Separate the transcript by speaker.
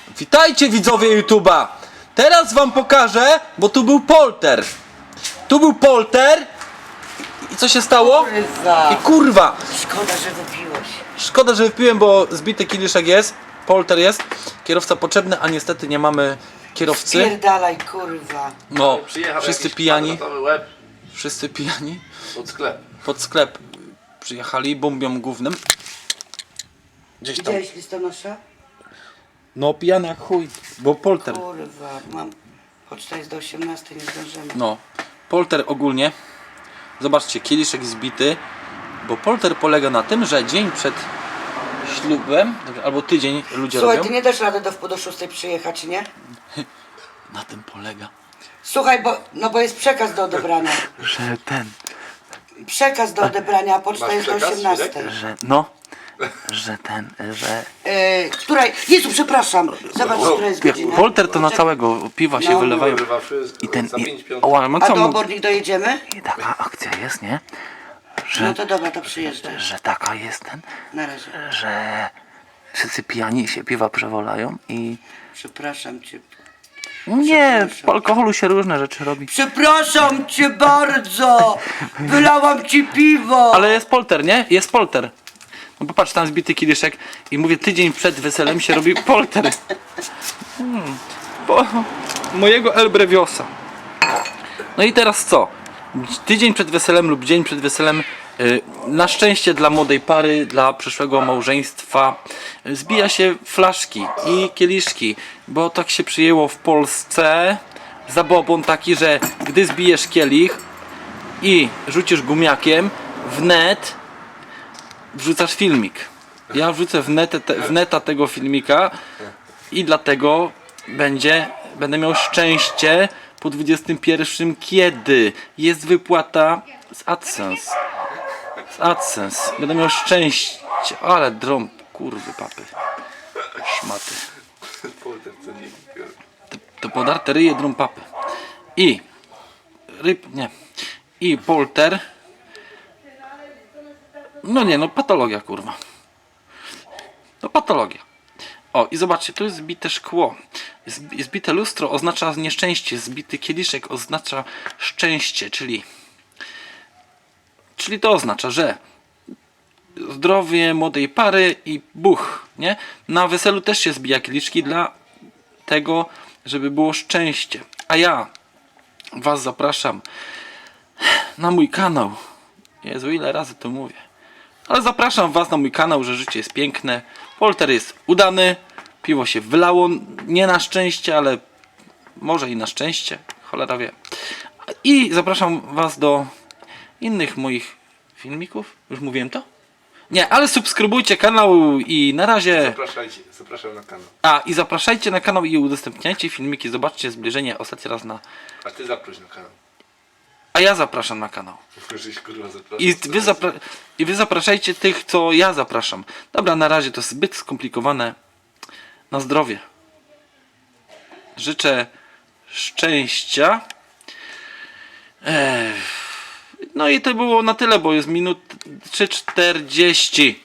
Speaker 1: Witajcie widzowie YouTube'a! Teraz wam pokażę, bo tu był polter. Tu był polter. I co się stało? I kurwa!
Speaker 2: Szkoda, że wypiłeś.
Speaker 1: Szkoda, że wypiłem, bo zbity kieliszek jest. Polter jest. Kierowca potrzebny, a niestety nie mamy kierowcy.
Speaker 2: Spierdalaj, kurwa.
Speaker 1: No,
Speaker 3: Przyjechał
Speaker 1: wszyscy
Speaker 3: jakiś
Speaker 1: pijani.
Speaker 3: kwadratowy łeb
Speaker 1: Wszyscy pijani.
Speaker 3: pod sklep.
Speaker 1: Pod sklep przyjechali bombią głównym. Gdzieś tam.
Speaker 2: Widziałeś listonosza?
Speaker 1: No pijany jak chuj, bo polter.
Speaker 2: Kurwa, mam... Poczta jest do 18, nie zdążymy.
Speaker 1: No, polter ogólnie. Zobaczcie, kieliszek zbity. Bo polter polega na tym, że dzień przed ślubem, albo tydzień ludzie
Speaker 2: Słuchaj,
Speaker 1: robią.
Speaker 2: ty nie dasz rady do wpół do 6 przyjechać, nie?
Speaker 1: Na tym polega.
Speaker 2: Słuchaj, bo jest przekaz do odebrania.
Speaker 1: Że ten,
Speaker 2: Przekaz do odebrania, a poczta
Speaker 3: Masz
Speaker 2: jest do
Speaker 3: przekaz,
Speaker 2: 18.
Speaker 3: Świrek?
Speaker 1: że
Speaker 2: Której? Jezu, przepraszam. Zobacz, która jest godzina.
Speaker 1: polter to na całego piwa się
Speaker 2: No.
Speaker 1: wylewają.
Speaker 3: Wyrywa wszystko.
Speaker 1: I ten,
Speaker 3: za 5 piąt.
Speaker 1: o, ale
Speaker 2: A
Speaker 1: co
Speaker 2: do
Speaker 1: mu...
Speaker 2: obornik dojedziemy?
Speaker 1: I taka akcja jest, nie?
Speaker 2: No to dobra, to przyjeżdżaj.
Speaker 1: Że taka jest ten,
Speaker 2: Na razie.
Speaker 1: że wszyscy pijani się piwa przewolają i...
Speaker 2: Przepraszam cię.
Speaker 1: Nie, po alkoholu się różne rzeczy robi.
Speaker 2: Przepraszam cię bardzo! Wylałam ci piwo!
Speaker 1: Ale jest polter, nie? Jest polter. No popatrz, tam zbity kieliszek i mówię, tydzień przed weselem się robi polter. Bo mojego El Breviosa. No i teraz co? Tydzień przed weselem lub dzień przed weselem, na szczęście dla młodej pary, dla przyszłego małżeństwa, zbija się flaszki i kieliszki, bo tak się przyjęło w Polsce. Zabobon taki, że gdy zbijesz kielich i rzucisz gumiakiem, w net wrzucasz filmik. Ja wrzucę w neta tego filmika i dlatego będę miał szczęście po 21, kiedy jest wypłata z AdSense. Z AdSense. Będę miał szczęście. Ale drąb, kurwy papy. Szmaty.
Speaker 3: Polter cennik.
Speaker 1: To podarte ryje drąb papy. I nie. I polter. No nie, no patologia, kurwa. No patologia. O, i zobaczcie, tu jest zbite szkło. Zbite lustro oznacza nieszczęście. Zbity kieliszek oznacza szczęście, czyli to oznacza, że zdrowie młodej pary i buch, nie? Na weselu też się zbija kieliszki dla tego, żeby było szczęście. A ja was zapraszam na mój kanał. Jezu, ile razy to mówię. Ale zapraszam was na mój kanał, że życie jest piękne. Polter jest udany. Piwo się wylało. Nie na szczęście, ale może i na szczęście. Cholera wie. I zapraszam was do innych moich filmików. Już mówiłem to? Nie, ale subskrybujcie kanał i na razie.
Speaker 3: Zapraszam na kanał.
Speaker 1: I zapraszajcie na kanał i udostępniajcie filmiki. Zobaczcie zbliżenie ostatni raz na...
Speaker 3: A ty zaproś na kanał.
Speaker 1: A ja zapraszam na kanał.
Speaker 3: Żeś kurwa zapraszał.
Speaker 1: I wy zapraszajcie tych, co ja zapraszam. Dobra, na razie to zbyt skomplikowane. Na zdrowie. Życzę szczęścia. No i to było na tyle, bo jest minut 3:40.